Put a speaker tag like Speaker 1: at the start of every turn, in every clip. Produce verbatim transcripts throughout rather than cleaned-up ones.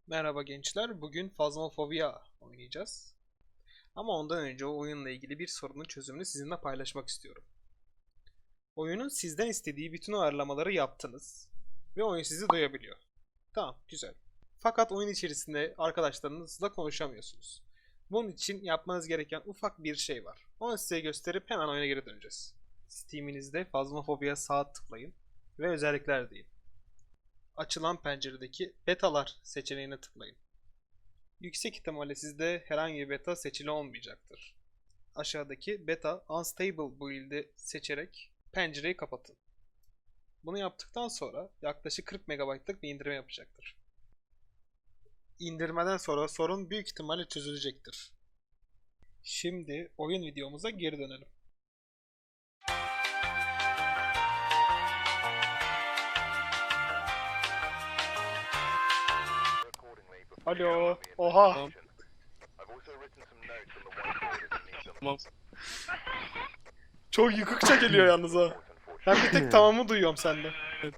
Speaker 1: Merhaba gençler, bugün Phasmophobia oynayacağız. Ama ondan önce o oyunla ilgili bir sorunun çözümünü sizinle paylaşmak istiyorum. Oyunun sizden istediği bütün ayarlamaları yaptınız ve oyun sizi duyabiliyor. Tamam, güzel. Fakat oyun içerisinde arkadaşlarınızla konuşamıyorsunuz. Bunun için yapmanız gereken ufak bir şey var. Onu size gösterip hemen oyuna geri döneceğiz. Steam'inizde Phasmophobia sağ tıklayın ve özellikler deyin. Açılan penceredeki betalar seçeneğine tıklayın. Yüksek ihtimalle sizde herhangi bir beta seçili olmayacaktır. Aşağıdaki beta unstable build'i seçerek pencereyi kapatın. Bunu yaptıktan sonra yaklaşık kırk megabaytlık bir indirme yapacaktır. İndirmeden sonra sorun büyük ihtimalle çözülecektir. Şimdi oyun videomuza geri dönelim. Alo. Oha.
Speaker 2: Tamam. Tamam.
Speaker 1: Çok yıkıkça geliyor yalnız ha. Ben bir tek tamamı duyuyorum sende.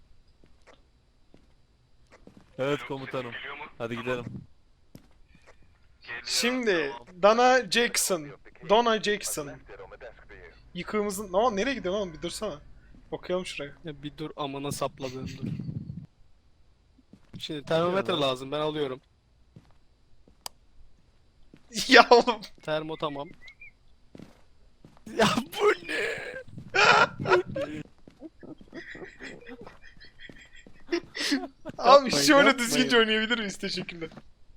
Speaker 3: Evet komutanım. Hadi gidelim.
Speaker 1: Şimdi Dana Jackson. Donna Jackson. Yıkığımızın... Ama nereye gidiyor oğlum? Bir dursana. Okuyalım şuraya.
Speaker 2: Ya bir dur amına sapladığım dur. Şimdi termometre lazım, ben alıyorum.
Speaker 1: Ya oğlum.
Speaker 2: Termo tamam. Ya bu ne?
Speaker 1: Abi
Speaker 2: Yapmayın,
Speaker 1: şöyle
Speaker 2: yapmayın.
Speaker 1: düzgünce oynayabilir miyiz? Teşekkürler.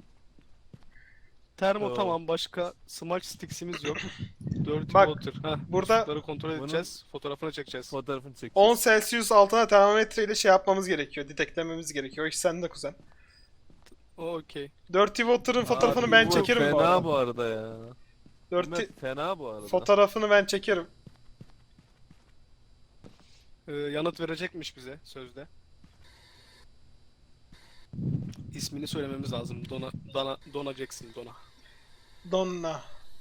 Speaker 2: Termo
Speaker 3: Tamam.
Speaker 2: tamam, başka smudge sticks'imiz yok. Dirty
Speaker 1: Bak,
Speaker 2: water. Heh,
Speaker 1: burada-
Speaker 2: muslukları kontrol
Speaker 3: Bunun-
Speaker 2: edeceğiz, fotoğrafını çekeceğiz.
Speaker 3: Fotoğrafını çekeceğiz.
Speaker 1: on Celsius altına termometreyle şey yapmamız gerekiyor. Deteklememiz gerekiyor. O iş sende kuzen.
Speaker 2: O okey.
Speaker 1: Dirty Water'ın fotoğrafını
Speaker 3: Abi
Speaker 1: ben
Speaker 3: bu
Speaker 1: çekerim bu
Speaker 3: Fena
Speaker 1: arada.
Speaker 3: bu arada ya.
Speaker 1: Dirty
Speaker 3: Mehmet, fena bu arada.
Speaker 1: fotoğrafını ben çekerim.
Speaker 2: Ee, yanıt verecekmiş bize sözde. İsmini söylememiz lazım. Donna, Donna, Donna Jackson, Donna.
Speaker 1: Donna.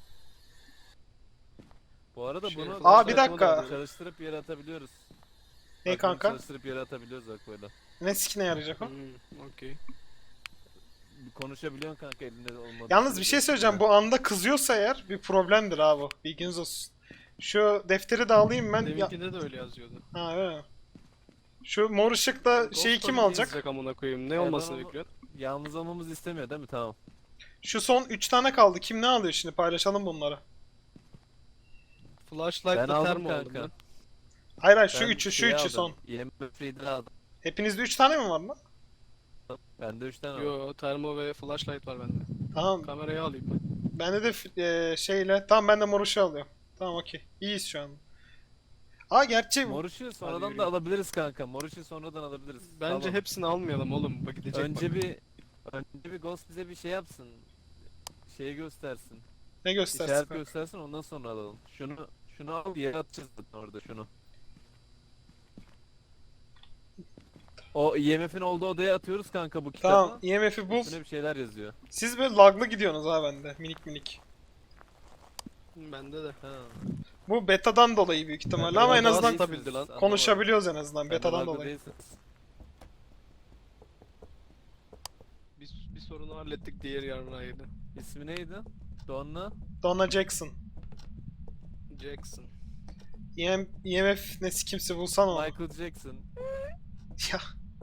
Speaker 3: Bu arada
Speaker 2: Şey,
Speaker 3: bunu
Speaker 1: Aa, bir
Speaker 3: böyle
Speaker 1: dakika.
Speaker 3: çalıştırıp yere atabiliyoruz.
Speaker 1: Ne
Speaker 3: Bak, bunu
Speaker 1: kanka?
Speaker 3: Çalıştırıp yere atabiliyoruz bak böyle.
Speaker 1: Ne sikine yarayacak o?
Speaker 2: Hmm, okey.
Speaker 3: Konuşabiliyorsun kanka elinde olmadı.
Speaker 1: Yalnız bir şey söyleyeceğim. Bu anda kızıyorsa eğer bir problemdir abi. Bilginiz olsun. Şu defteri de alayım ben. Ya...
Speaker 2: Deminkinde de öyle yazıyordu.
Speaker 1: Ha öyle mi? Şu mor ışıkta şeyi
Speaker 2: Ghost
Speaker 1: kim
Speaker 2: Story
Speaker 1: alacak?
Speaker 2: yazacak amına koyayım. Ne
Speaker 3: ben
Speaker 2: olmasını
Speaker 3: onu-
Speaker 2: bekliyorsun?
Speaker 3: Yalnız olmamızı istemiyor değil mi? Tamam.
Speaker 1: Şu son üç tane kaldı. Kim ne alıyor şimdi? Paylaşalım bunları.
Speaker 3: Ben
Speaker 2: Flashlight'la
Speaker 3: aldım
Speaker 2: termo aldım
Speaker 3: kanka.
Speaker 2: ben.
Speaker 1: Hayır hayır şu
Speaker 3: Ben
Speaker 1: üçü şu
Speaker 3: şeyi
Speaker 1: üçü
Speaker 3: aldım,
Speaker 1: son.
Speaker 3: I M F reader aldım.
Speaker 1: Hepinizde üç tane mi var lan?
Speaker 3: Bende üç tane var.
Speaker 2: Yo, termo ve flashlight var bende.
Speaker 1: Tamam.
Speaker 2: Kamerayı alayım ben.
Speaker 1: Bende de f- e, şeyle. Tamam ben de mor ışığı alıyorum. Tamam okey. İyiyiz şu an. Aa gerçi
Speaker 3: Mor ışığı sonradan da
Speaker 2: yürüyün.
Speaker 3: alabiliriz kanka. Mor ışığı sonradan alabiliriz.
Speaker 2: Bence
Speaker 3: Tamam.
Speaker 2: hepsini almayalım oğlum. Bak gidecek
Speaker 3: Önce
Speaker 2: bak.
Speaker 3: bir önce bir Ghost bize bir şey yapsın. Şeyi göstersin.
Speaker 1: ne göstersin?
Speaker 3: İşaret
Speaker 1: kanka?
Speaker 3: göstersin ondan sonra alalım. Şunu şunu al yere atacağız zaten orada şunu. O I M F'in olduğu odaya atıyoruz kanka bu kitabı.
Speaker 1: Tamam I M F'i bul.
Speaker 3: Üstüne bir şeyler yazıyor.
Speaker 1: Siz böyle laglı gidiyorsunuz ha bende. Minik minik.
Speaker 2: Bende de.
Speaker 3: Ha.
Speaker 1: Bu betadan dolayı büyük ihtimalle ama en
Speaker 2: daha
Speaker 1: azından
Speaker 2: değilsiniz. stabildi lan.
Speaker 1: konuşabiliyoruz en azından
Speaker 3: Betadan
Speaker 1: betadan dolayı.
Speaker 2: Bir, bir sorunu hallettik, diğer yarına yedi.
Speaker 3: İsmi neydi? Donna.
Speaker 1: Donna Jackson.
Speaker 2: Jackson.
Speaker 1: I M I M F nesi kimse bulsan onu.
Speaker 3: Michael Jackson.
Speaker 1: Ya.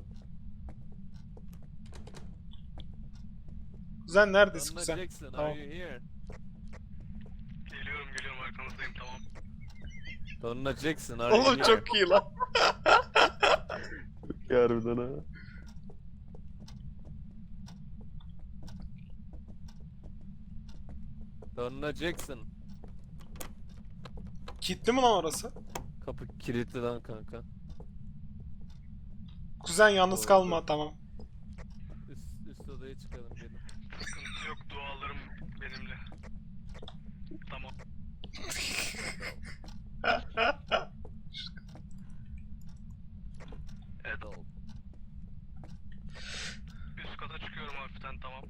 Speaker 1: Kuzen neredesin
Speaker 3: Donna
Speaker 1: kuzen?
Speaker 3: Jackson,
Speaker 1: Tamam.
Speaker 3: are you here?
Speaker 2: Geliyorum geliyorum, arkanızdayım, tamam.
Speaker 3: Donna Jackson, are you
Speaker 1: Oğlum
Speaker 3: here?
Speaker 1: çok iyi lan.
Speaker 3: Harbiden ha. Donna Jackson.
Speaker 1: Kilitli mi lan orası?
Speaker 3: Kapı kilitli lan kanka.
Speaker 1: Kuzen yalnız
Speaker 3: Doğru.
Speaker 1: kalma tamam.
Speaker 3: Üst, üst odaya çıkalım gelin.
Speaker 2: Sıkıntı yok, dualarım benimle. Tamam.
Speaker 3: Evet oldu.
Speaker 2: Üst kata çıkıyorum hafiften, tamam.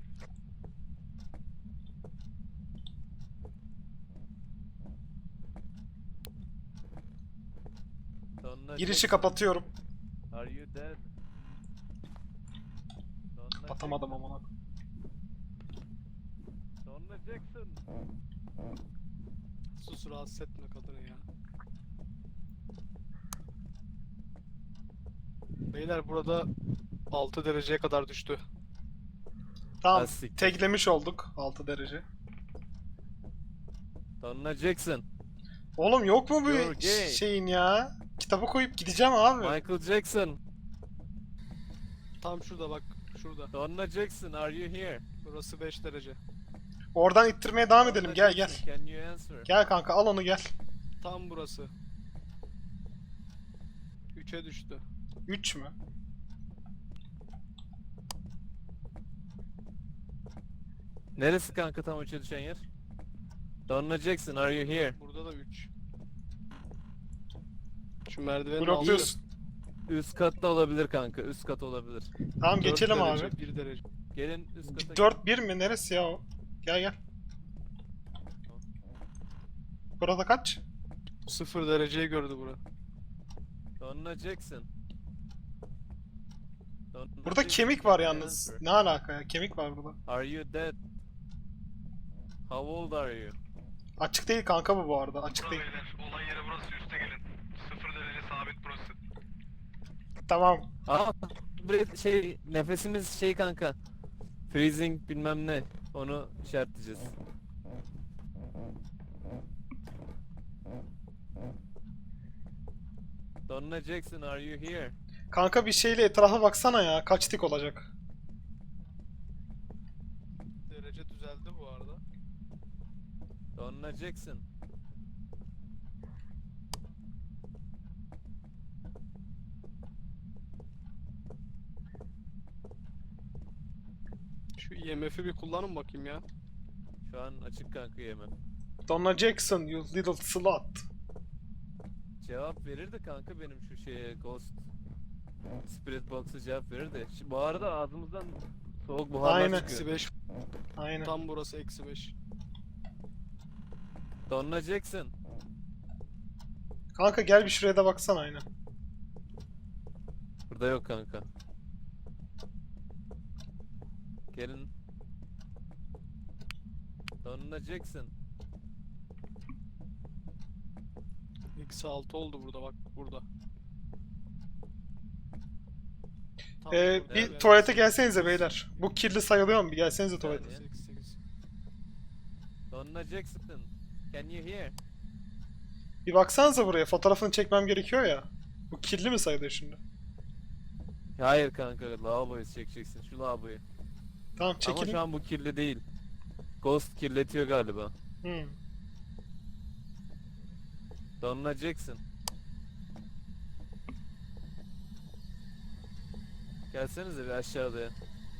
Speaker 3: Donna
Speaker 1: Girişi
Speaker 3: Jackson,
Speaker 1: kapatıyorum.
Speaker 3: are you dead? Donna
Speaker 1: Kapatamadım
Speaker 3: Jackson.
Speaker 1: amına.
Speaker 3: Donna Jackson.
Speaker 2: Sus, rahatsız etme kadını ya. Beyler burada altı dereceye kadar düştü.
Speaker 1: Tamam.
Speaker 3: Lastik.
Speaker 1: Teklemiş olduk altı derece.
Speaker 3: Donna Jackson.
Speaker 1: Oğlum yok mu
Speaker 3: You're
Speaker 1: bu
Speaker 3: gay.
Speaker 1: şeyin ya? Kitaba koyup gideceğim abi.
Speaker 3: Michael Jackson.
Speaker 2: Tam şurada bak, şurada.
Speaker 3: Donna Jackson, are you here?
Speaker 2: Burası beş derece.
Speaker 1: Oradan ittirmeye devam edelim.
Speaker 3: Donna
Speaker 1: Gel gel.
Speaker 3: Jackson, can you answer?
Speaker 1: Gel kanka al onu gel.
Speaker 2: Tam burası. üçe düştü.
Speaker 1: üç mü?
Speaker 3: Neresi kanka tam uça düşen yer? Donna Jackson, are you here?
Speaker 2: Burada da üç. Şu merdivenin altı.
Speaker 1: Blokluyorsun.
Speaker 3: Üst katta olabilir kanka, üst kat olabilir.
Speaker 1: Tamam
Speaker 2: dört
Speaker 1: geçelim
Speaker 2: derece,
Speaker 1: abi.
Speaker 2: bir derece.
Speaker 3: Gelin üst kata.
Speaker 1: dört bir mi? Neresi ya o? Gel gel. Burada kaç?
Speaker 2: sıfır dereceyi gördü bura.
Speaker 3: Donna Jackson. Donna
Speaker 1: Burada
Speaker 3: Jackson,
Speaker 1: kemik
Speaker 3: can
Speaker 1: var
Speaker 3: you
Speaker 1: yalnız.
Speaker 3: answer?
Speaker 1: Ne alaka ya? Kemik var burada.
Speaker 3: Are you dead? How old are you?
Speaker 1: Açık değil kanka bu bu arada. Açık değil.
Speaker 2: Olay yeri burası, üste gelin. sıfır derece sabit burası.
Speaker 1: Tamam.
Speaker 3: Aa, bre- şey nefesimiz şey kanka. Freezing bilmem ne. Onu işaretleyeceğiz. Donna Jackson, are you here?
Speaker 1: Kanka bir şeyle etrafa baksana ya. Kaç tik olacak?
Speaker 2: Derece düzeldi bu arada.
Speaker 3: Donna Jackson.
Speaker 2: Şu I M F'i bir kullanın bakayım ya.
Speaker 3: Şu an açık kanka yemem.
Speaker 1: Donna Jackson, you little slut.
Speaker 3: Cevap verirdi kanka benim şu şeye Ghost Spirit Box'a cevap verirdi. Şimdi bu arada ağzımızdan soğuk buharlar
Speaker 1: Aynen.
Speaker 2: Eksi
Speaker 3: çıkıyor.
Speaker 2: beş.
Speaker 1: Aynen.
Speaker 2: Tam burası eksi beş.
Speaker 3: Donna Jackson.
Speaker 1: Kanka gel bir şuraya da baksana aynen.
Speaker 3: Burada yok kanka. Gelin. Donna Jackson.
Speaker 2: Eksi altı oldu burada bak, burada. Tam
Speaker 1: Ee,
Speaker 2: burada.
Speaker 1: bir
Speaker 2: Evet.
Speaker 1: tuvalete gelsenize beyler. Bu kirli sayılıyor mu? Bir gelsenize tuvalete.
Speaker 3: Yani.
Speaker 2: Eksi sekiz.
Speaker 3: Donna Jackson. Can you hear?
Speaker 1: Bir baksanıza buraya. Fotoğrafını çekmem gerekiyor ya. Bu kirli mi sayılıyor şimdi?
Speaker 3: Hayır kanka, lavaboyu çekeceksin, şu lavaboyu.
Speaker 1: Tamam
Speaker 3: Ama
Speaker 1: çekilin.
Speaker 3: şu an bu kirli değil. Ghost kirletiyor galiba.
Speaker 1: Hmm.
Speaker 3: Donna Jackson. Gelsenize bir aşağıya.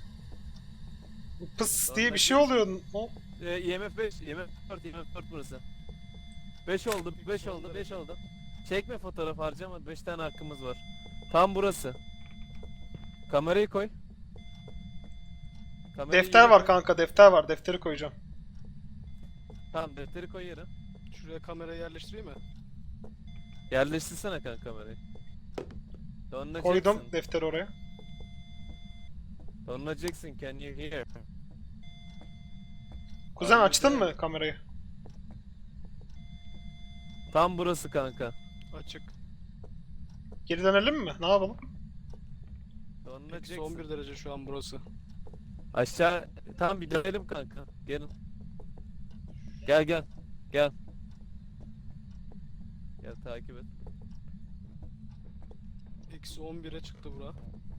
Speaker 1: Pıs
Speaker 3: Donna
Speaker 1: diye bir şey
Speaker 3: Jackson.
Speaker 1: oluyor. O-
Speaker 3: Ee, I M F beş, I M F dört, I M F dört burası. beş oldu, beş oldu, beş oldu. Çekme fotoğraf harcama, beş tane hakkımız var. Tam burası. Kamerayı koy. Kamerayı
Speaker 1: Defter
Speaker 3: yere
Speaker 1: var
Speaker 3: koy.
Speaker 1: kanka, defter var. Defteri koyacağım.
Speaker 3: Tamam, defteri koy yere.
Speaker 2: Şuraya kamerayı yerleştireyim mi?
Speaker 3: Yerleştirsene kanka kamerayı. Donna
Speaker 1: Koydum
Speaker 3: Jackson.
Speaker 1: defteri oraya.
Speaker 3: Donna Jackson, can you hear?
Speaker 1: Kuzen
Speaker 3: Abi,
Speaker 1: açtın
Speaker 3: de-
Speaker 1: mı kamerayı?
Speaker 3: Tam burası kanka.
Speaker 2: Açık.
Speaker 1: Geri dönelim mi? Ne yapalım?
Speaker 3: Donna
Speaker 2: Eksi
Speaker 3: Jackson.
Speaker 2: on bir derece şu an burası.
Speaker 3: Aşağı tam bir dönelim kanka. Gelin. Gel gel. Gel. Gel takip et.
Speaker 2: Eksi on bire çıktı bura.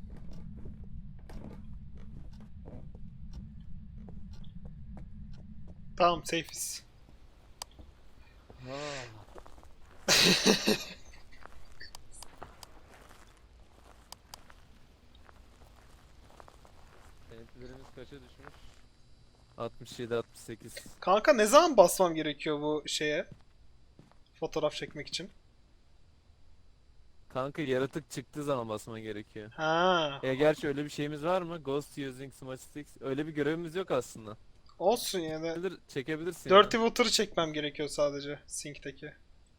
Speaker 1: Tamam safe'iz.
Speaker 3: Senetlerimiz kaça düşmüş? altmış yedi altmış sekiz.
Speaker 1: Kanka ne zaman basmam gerekiyor bu şeye? Fotoğraf çekmek için.
Speaker 3: Kanka yaratık çıktığı zaman basman gerekiyor.
Speaker 1: Ha,
Speaker 3: E gerçi öyle bir şeyimiz var mı? Ghost using smudge sticks. Öyle bir görevimiz yok aslında.
Speaker 1: olsun yine de.
Speaker 3: Çekebilir, çekebilirsin
Speaker 1: Dirty
Speaker 3: ya.
Speaker 1: Water'ı çekmem gerekiyor sadece sinkteki.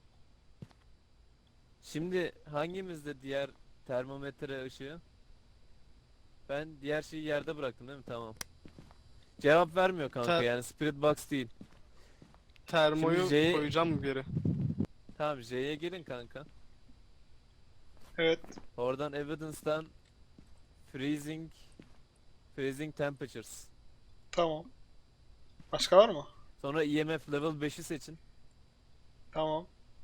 Speaker 3: Şimdi hangimizde diğer termometre ışığı? Ben diğer şeyi yerde bıraktım değil mi? Tamam. Cevap vermiyor kanka
Speaker 2: Te-
Speaker 3: yani Spirit Box değil.
Speaker 2: Termoyu
Speaker 3: Şimdi J'ye-
Speaker 2: koyacağım mı bir yere?
Speaker 3: Tamam J'ye girin kanka.
Speaker 1: Evet.
Speaker 3: Oradan Evidence'dan Freezing Freezing Temperatures.
Speaker 1: Tamam. Başka var mı?
Speaker 3: Sonra E M F level beşi seçin.
Speaker 1: Tamam.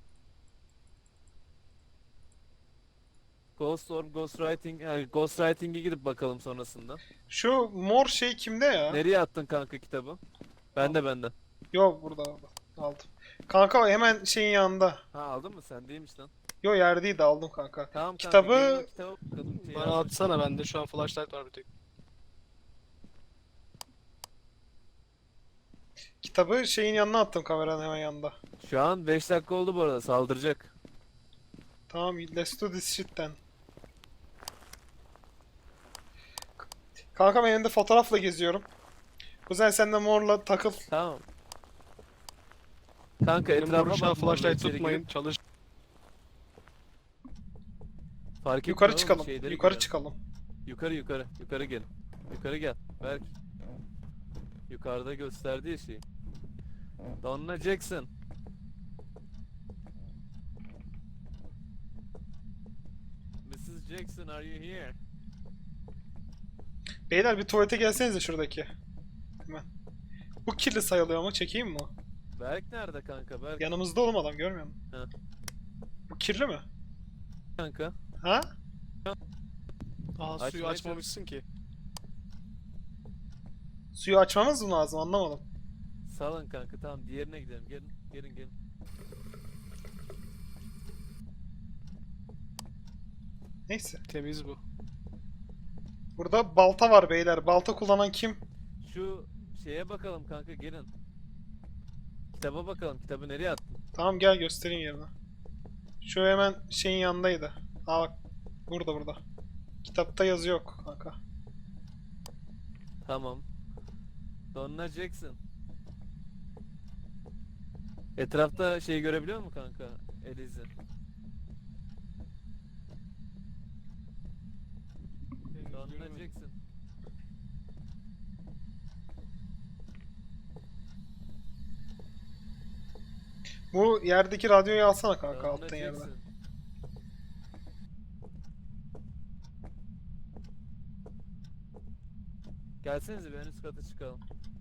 Speaker 3: Ghost Storm, Ghostwriting, yani Ghostwriting'e gidip bakalım sonrasında.
Speaker 1: Şu mor şey kimde ya?
Speaker 3: Nereye attın kanka kitabı? Bende bende.
Speaker 1: Yo burada aldım. Aldım. Kanka hemen şeyin yanında.
Speaker 3: Ha aldın mı sen değilmiş lan.
Speaker 1: Yo yerdeydi aldım kanka.
Speaker 3: Tamam kanka
Speaker 1: Kitabı-
Speaker 3: gelin o kitaba bakalım. Şey
Speaker 2: Bana
Speaker 3: yazmış.
Speaker 2: atsana, bende şu an flashlight var bir tek.
Speaker 1: Kitabı şeyin yanına attım, kameranın hemen yanında.
Speaker 3: Şu an beş dakika oldu bu arada saldıracak.
Speaker 1: Tamam, let's do this shit'ten. Kanka ben elinde fotoğrafla geziyorum. Kuzen sen de morla takıl.
Speaker 3: Tamam. Kanka
Speaker 2: Benim
Speaker 3: etrafa
Speaker 2: vuruşa
Speaker 3: bak. morla
Speaker 2: flashlight
Speaker 3: içeri
Speaker 2: tutmayın.
Speaker 3: girip
Speaker 2: Çalış.
Speaker 3: Fark
Speaker 1: Yukarı
Speaker 3: etmiyor oğlum,
Speaker 1: çıkalım.
Speaker 3: şeyleri
Speaker 1: Yukarı
Speaker 3: görelim.
Speaker 1: çıkalım.
Speaker 3: Yukarı yukarı. Yukarı gel. Yukarı gel. Berk. Yukarıda gösterdiği şey. Donna Jackson. missus Jackson, are you here?
Speaker 1: Beyler bir tuvalete gelsenize şuradaki. Hemen. Bu kirli sayılıyor ama çekeyim mi?
Speaker 3: Berk nerede kanka? Berk
Speaker 1: Yanımızda oğlum, adam görmüyor musun?
Speaker 3: Ha.
Speaker 1: Bu kirli mi?
Speaker 3: kanka.
Speaker 1: Ha?
Speaker 2: Aa,
Speaker 3: Açmaya
Speaker 2: suyu açmamışsın ki.
Speaker 1: Suyu açmamız mı lazım, anlamadım.
Speaker 3: Salın kanka, tamam diğerine gidelim. Gelin gelin gelin.
Speaker 1: Neyse.
Speaker 2: Temiz bu.
Speaker 1: Burada balta var beyler. Balta kullanan kim?
Speaker 3: Şu şeye bakalım kanka, gelin. Kitaba bakalım. Kitabı nereye attın?
Speaker 1: Tamam gel göstereyim yerini. Şu hemen şeyin yanındaydı. Aa bak. Burada burada. Kitapta yazı yok kanka.
Speaker 3: Tamam. Donna Jackson. Etrafta şey görebiliyor musun kanka? Elizi. Donna Jackson.
Speaker 1: Bu yerdeki radyoyu alsana kanka,
Speaker 3: Donna
Speaker 1: alttan yerde.
Speaker 3: Jackson. Gelsenize bir en üst kata çıkalım.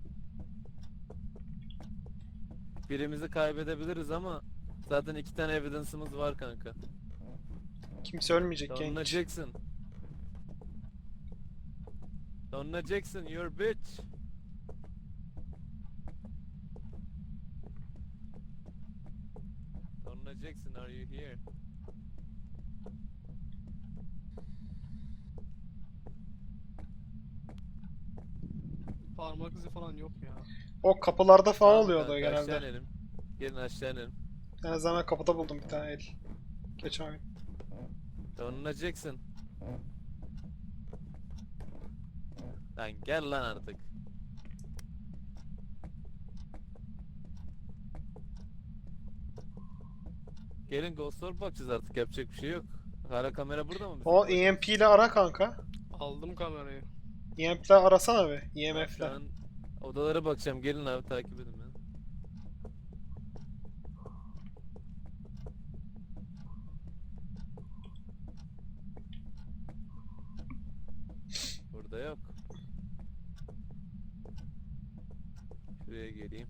Speaker 3: Birimizi kaybedebiliriz ama zaten iki tane evidence'ımız var kanka.
Speaker 1: Kimse ölmeyecek
Speaker 3: Donna
Speaker 1: genç.
Speaker 3: Jackson. Donna Jackson, you're bitch. Donna Jackson, are you here?
Speaker 2: Parmak izi falan yok ya.
Speaker 1: O kapılarda falan
Speaker 3: Tamam
Speaker 1: oluyordu
Speaker 3: kanka,
Speaker 1: genelde.
Speaker 3: aşağı inelim. Gelin aşağı inelim.
Speaker 1: En azından ben kapıda buldum bir tane el. Geçen gün.
Speaker 3: Donna Jackson. Lan gel lan artık. Gelin Ghost Orb bakacağız artık, yapacak bir şey yok. Hala kamera burada mı? bizim?
Speaker 1: O E M P ile ara kanka.
Speaker 2: Aldım kamerayı.
Speaker 1: E M P ile arasana be. E M F ile.
Speaker 3: Ben odalara bakacağım, gelin abi takip edin beni. Burada yok. Şuraya geleyim.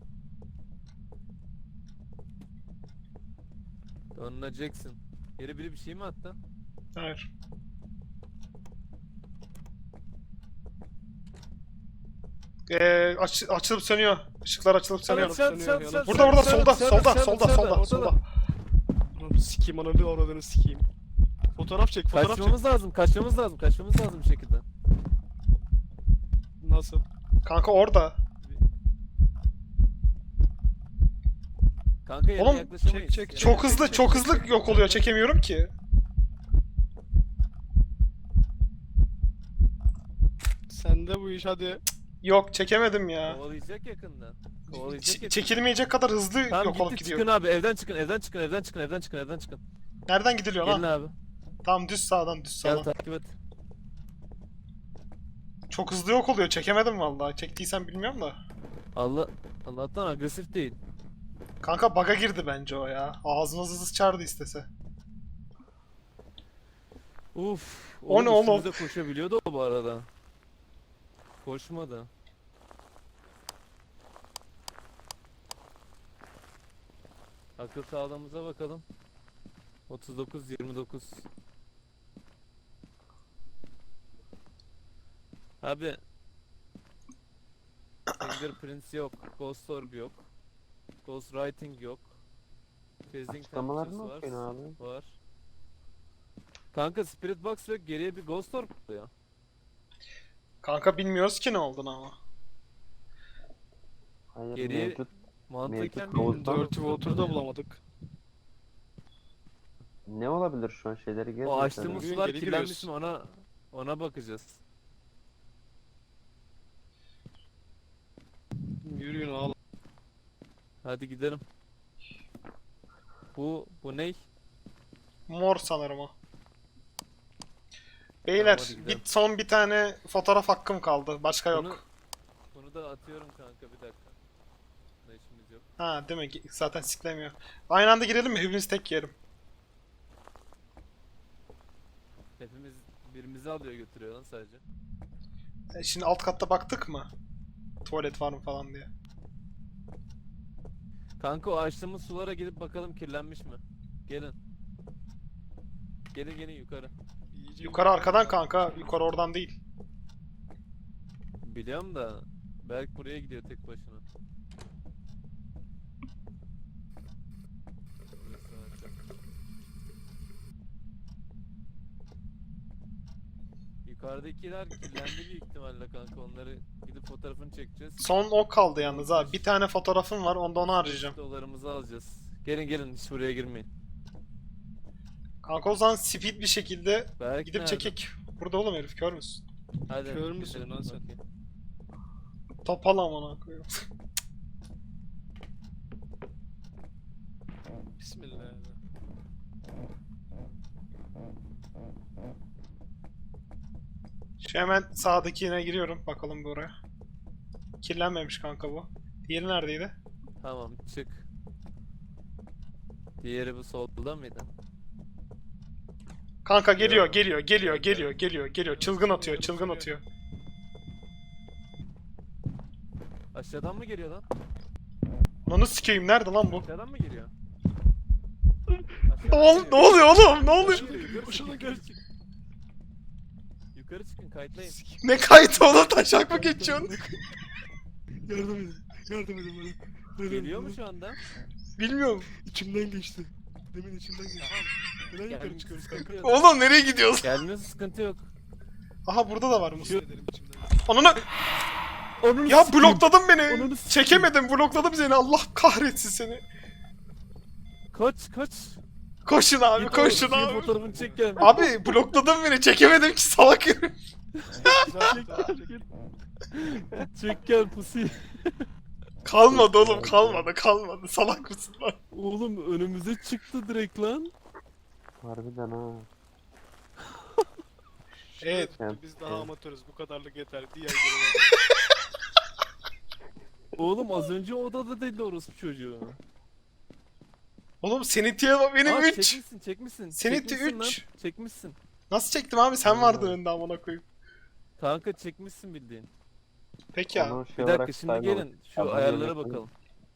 Speaker 3: Donna Jackson. Yere biri bir şey mi attı?
Speaker 1: Hayır. Ee, aç, açılıp sönüyor. Işıklar açılıp sönüyor.
Speaker 3: Şat, şat, şat, şat,
Speaker 1: Burada burada
Speaker 3: şat,
Speaker 1: solda
Speaker 3: şat,
Speaker 1: solda
Speaker 3: şat,
Speaker 1: solda
Speaker 3: şat,
Speaker 1: solda
Speaker 3: orada
Speaker 1: solda.
Speaker 3: da.
Speaker 2: Onu sikeyim, ananı avradını sikeyim. Fotoğraf çek, fotoğraf çek.
Speaker 3: Kaçmamız lazım, kaçmamız lazım, kaçmamız lazım bir şekilde.
Speaker 2: Nasıl?
Speaker 1: Kanka orada.
Speaker 3: Kanka yerine
Speaker 1: Oğlum,
Speaker 3: yaklaşamayız.
Speaker 2: çek, çek,
Speaker 3: Yerine
Speaker 1: Çok hızlı
Speaker 3: yaklaşamayız.
Speaker 1: çok hızlı yok oluyor. Çekemiyorum ki.
Speaker 2: Sende bu iş, hadi.
Speaker 1: Yok çekemedim ya.
Speaker 3: Kovalayacak yakında. Kovalayacak
Speaker 1: Ç-
Speaker 3: yakında.
Speaker 1: çekilmeyecek kadar hızlı
Speaker 3: Tamam
Speaker 1: yok olup
Speaker 3: gitti,
Speaker 1: gidiyor.
Speaker 3: çıkın abi, evden çıkın, evden çıkın, evden çıkın, evden çıkın, evden çıkın,
Speaker 1: Nereden gidiliyor
Speaker 3: Gelin
Speaker 1: lan?
Speaker 3: abi.
Speaker 1: Tamam düz sağdan düz
Speaker 3: Gel
Speaker 1: sağdan.
Speaker 3: takip et.
Speaker 1: Çok hızlı yok oluyor. Çekemedim vallahi. Çektiysen bilmiyorum da.
Speaker 3: Allah Allah'tan agresif değil.
Speaker 1: Kanka bug'a girdi bence o ya. Ağzımızı sıçardı istese.
Speaker 3: Uf.
Speaker 1: O ne oğlum?
Speaker 3: üstümüze koşabiliyordu o bu arada. Koşmadı. Akıl sağlığımıza bakalım. otuz dokuz yirmi dokuz. Abi Fingerprints yok, Ghost Orb yok, Ghost Writing yok, Phasing
Speaker 4: Açıklamaları
Speaker 3: Temperatures
Speaker 4: mı
Speaker 3: var,
Speaker 4: okuyorsun abi?
Speaker 3: var. Kanka Spirit Box ve geriye bir Ghost Orb oluyor.
Speaker 1: Kanka bilmiyoruz ki ne olduğunu ama.
Speaker 4: Hayır
Speaker 3: Geriye-
Speaker 4: mevcut.
Speaker 3: Mantıken
Speaker 4: Mevcut Ghost
Speaker 3: bir
Speaker 4: Orb.
Speaker 2: Dirty Water'ı da bulamadık.
Speaker 4: Ne olabilir şu an şeyleri gezmek
Speaker 3: O açtığımız
Speaker 2: Yürüyün,
Speaker 3: sular
Speaker 2: geri
Speaker 3: kirlenmiş
Speaker 2: giriyoruz.
Speaker 3: mi ona ona bakacağız.
Speaker 2: Yürüyün ağla.
Speaker 3: Hadi gidelim. Bu bu ney?
Speaker 1: Mor sanırım o. Beyler
Speaker 3: Tamam, hadi
Speaker 1: bir,
Speaker 3: gidelim.
Speaker 1: son bir tane fotoğraf hakkım kaldı. Başka yok.
Speaker 3: Bunu, bunu da atıyorum kanka bir dakika. Bunda işimiz yok.
Speaker 1: Ha değil mi? Ge- Zaten siklemiyor. Aynı anda girelim mi? Hepimiz tek yerim.
Speaker 3: Hepimiz birimizi alıyor götürüyor lan sadece.
Speaker 1: E, şimdi alt katta baktık mı? Tuvalet var mı falan diye.
Speaker 3: Kanka o açtığımız sulara gidip bakalım kirlenmiş mi? Gelin. Gelin gelin yukarı.
Speaker 2: İyice
Speaker 1: Yukarı arkadan kanka. Yukarı oradan değil.
Speaker 3: Biliyorum da Berk buraya gidiyor tek başına. Burası açık. Yukarıdakiler kirlendi büyük ihtimalle kanka, onları gidip fotoğrafını çekeceğiz.
Speaker 1: Son o kaldı yalnız abi. Bir tane fotoğrafım var. Onda onu harcayacağım.
Speaker 3: Dolarımızı alacağız. Gelin gelin hiç buraya girmeyin.
Speaker 1: Kanka o zaman speed bir şekilde
Speaker 3: Berk
Speaker 1: gidip
Speaker 3: nerede?
Speaker 1: çekek. Burada oğlum herif kör müsün?
Speaker 3: Hadi
Speaker 2: Kör müsün
Speaker 3: gidelim,
Speaker 2: lan sen?
Speaker 3: bakayım.
Speaker 1: Topal amına koyayım.
Speaker 2: Bismillah.
Speaker 1: Şu hemen sağdakine giriyorum. Bakalım bir oraya. Kirlenmemiş kanka bu. Diğeri neredeydi?
Speaker 3: Tamam çık. Diğeri bu solda mıydı?
Speaker 1: Kanka geliyor,
Speaker 3: Yo.
Speaker 1: geliyor, geliyor, geliyor, geliyor, geliyor. Çılgın atıyor, çılgın atıyor.
Speaker 3: Aşağıdan mı geliyor lan?
Speaker 1: Onu sikeyim, nerede lan bu?
Speaker 3: Aşağıdan mı geliyor?
Speaker 1: Ne, ol- ne oluyor oğlum? Ne oluyor?
Speaker 3: Yukarı
Speaker 2: Boşuna
Speaker 3: çıkın, yukarı çıkın. Yukarı çıkın, kayıtlayın.
Speaker 1: Ne kaydı oğlum? Taşak mı geçiyorsun?
Speaker 2: Yardım edin. Yardım edin bana. Yardım
Speaker 3: Geliyor
Speaker 2: edin
Speaker 3: mu şu anda?
Speaker 1: Bilmiyorum.
Speaker 2: bana. İçimden geçti. Demin içimden geçti. Neden yukarı
Speaker 3: Gelmiyorsa
Speaker 2: çıkıyoruz
Speaker 3: sıkıntı
Speaker 2: kanka?
Speaker 3: yok.
Speaker 1: Oğlum nereye gidiyoruz?
Speaker 3: Gelmiyorsa sıkıntı yok.
Speaker 1: Aha burada da var mı?
Speaker 2: Şu ederim içimden.
Speaker 1: Ananı...
Speaker 3: Onun
Speaker 1: Ya blokladın beni.
Speaker 3: Ananı sikeyim.
Speaker 1: Çekemedim, blokladım seni. Allah kahretsin seni.
Speaker 3: Kaç kaç.
Speaker 1: Koşun abi,
Speaker 3: Git
Speaker 1: koşun
Speaker 3: oğlum,
Speaker 1: abi.
Speaker 3: fotoğrafını çek gel.
Speaker 1: Abi blokladın beni, çekemedim ki salak herif.
Speaker 3: Çek gel. Çek gel pusi.
Speaker 1: Kalmadı oğlum, kalmadı, kalmadı. Salak mısın lan?
Speaker 3: Oğlum önümüze çıktı direkt lan.
Speaker 4: Harbiden ha.
Speaker 1: Evet.
Speaker 2: Evet. Biz daha
Speaker 4: Evet.
Speaker 2: amatörüz. Bu kadarlık yeter. Diğer görev.
Speaker 3: Oğlum az önce odada değil orospu çocuğu.
Speaker 1: Oğlum Seniti'ye bak benim
Speaker 3: Aa,
Speaker 1: üç.
Speaker 3: çekmişsin çekmişsin.
Speaker 1: Seniti
Speaker 3: Çekmişsin lan,
Speaker 1: üç.
Speaker 3: Çekmişsin.
Speaker 1: Nasıl çektim abi? Sen vardın
Speaker 4: Allah.
Speaker 1: önünde amına koyayım.
Speaker 3: Kanka çekmişsin bildiğin.
Speaker 1: Peki ya.
Speaker 4: Onu şey
Speaker 3: Bir dakika
Speaker 4: olarak
Speaker 3: şimdi
Speaker 4: saymadık.
Speaker 3: gelin şu
Speaker 4: Abone
Speaker 3: ayarlara
Speaker 4: olmayı-
Speaker 3: bakalım.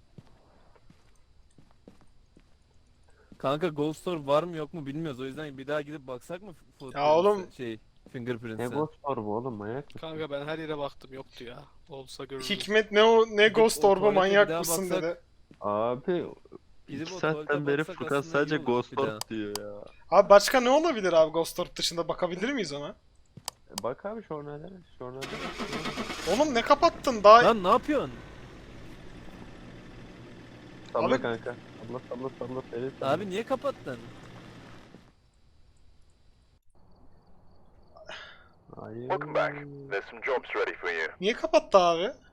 Speaker 3: Kanka Ghost Orb var mı yok mu bilmiyoruz, o yüzden bir daha gidip baksak mı fotoğrafı-
Speaker 1: Ya oğlum-
Speaker 3: şey
Speaker 4: Ne
Speaker 3: Fingerprints'e?
Speaker 4: Ghost Orb oğlum manyak mısın?
Speaker 2: Kanka ben her yere baktım. Yoktu ya. Olsa görürdüm.
Speaker 1: Hikmet ne o ne
Speaker 3: Gidip
Speaker 1: Ghost
Speaker 3: o
Speaker 1: Orb'a
Speaker 3: tuvalete
Speaker 1: manyak
Speaker 3: bir daha
Speaker 1: mısın
Speaker 3: baksak-
Speaker 1: dedi.
Speaker 4: Abi
Speaker 3: Gidip
Speaker 4: iki
Speaker 3: o
Speaker 4: saatten
Speaker 3: tuvalete
Speaker 4: beri
Speaker 3: baksak
Speaker 4: Furkan
Speaker 3: aslında
Speaker 4: sadece
Speaker 3: iyi olur
Speaker 4: Ghost
Speaker 3: bir daha.
Speaker 4: Orb diyor ya.
Speaker 1: Abi başka ne olabilir abi Ghost Orb dışında, bakabilir miyiz ona?
Speaker 4: E Bak abi şornelere, şornelere.
Speaker 1: Oğlum ne kapattın daha?
Speaker 3: Lan ne yapıyorsun?
Speaker 4: Salla
Speaker 1: Abi-
Speaker 4: kanka. Salla salla salla seri salla.
Speaker 3: Abi niye kapattın?
Speaker 4: Hayır.
Speaker 5: Welcome back. There's some jobs ready for you.
Speaker 1: Niye kapattı abi?